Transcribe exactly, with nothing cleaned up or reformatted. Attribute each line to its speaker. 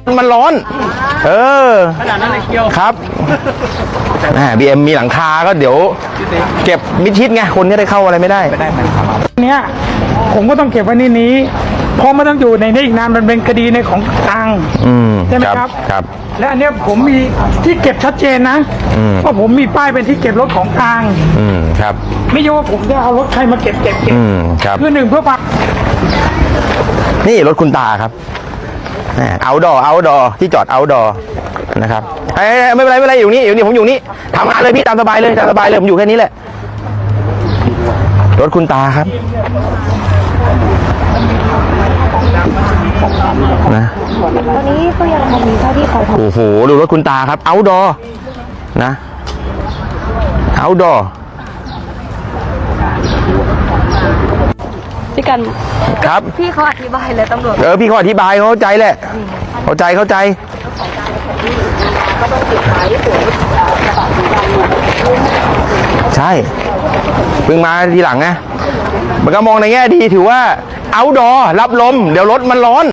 Speaker 1: มันร้อน เออ
Speaker 2: ขนาดนั้นเลยเกียว
Speaker 1: ครับบีเอ็มมีหลังคาก็เดี๋ยว เก็บมิดชิดไงคนก็ได้เข้าอะไรไม่ได้ไม่ได้
Speaker 2: เนี้ยผมก็ต้องเก็บไว้ในนี้เพราะมันต้องอยู่ในนี้อีกนานมันเป็นคดีในของกลาง
Speaker 1: อืม
Speaker 2: ใช่ไหมครับ
Speaker 1: ครับ
Speaker 2: และอันเนี้ยผมมีที่เก็บชัดเจนนะเพราะผมมีป้ายเป็นที่เก็บรถของกลาง
Speaker 1: อืมครับ
Speaker 2: ไม่ใช่ว่าผมจะเอารถใครมาเก็บเก็บเก็บ
Speaker 1: อืมครับ
Speaker 2: คือหนึ่งเพื่อปัก
Speaker 1: นี่รถคุณตาครับเอาดอเอาดอที่จอดเอาดอนะครับเอ้ยไม่เป็นไรไม่เป็นไรอยู่นี่อยู่นี่ผมอยู่นี่ทำงานเลยพี่ตามสบายเลยตามสบายเลยผมอยู่แค่นี้แหละรถคุณตาครับนะ
Speaker 3: ตอนนี้ก็ยังมีเท่าที่เขาท
Speaker 1: โอ้โหดูรถคุณตาครับเอาดอนะเอาดอ
Speaker 3: ำพี่กัน
Speaker 1: ครับ
Speaker 3: พี่เขาอธิบายเลยตำรวจ
Speaker 1: เออพี่เขาอธิบายเขาเข้าใจแหละเข้าใจเข้าใจใช่เพิ่งมาทีหลังไงมันก็มองในแง่ดีถือว่าเอาดอรับลมเดี๋ยวรถมันร้อน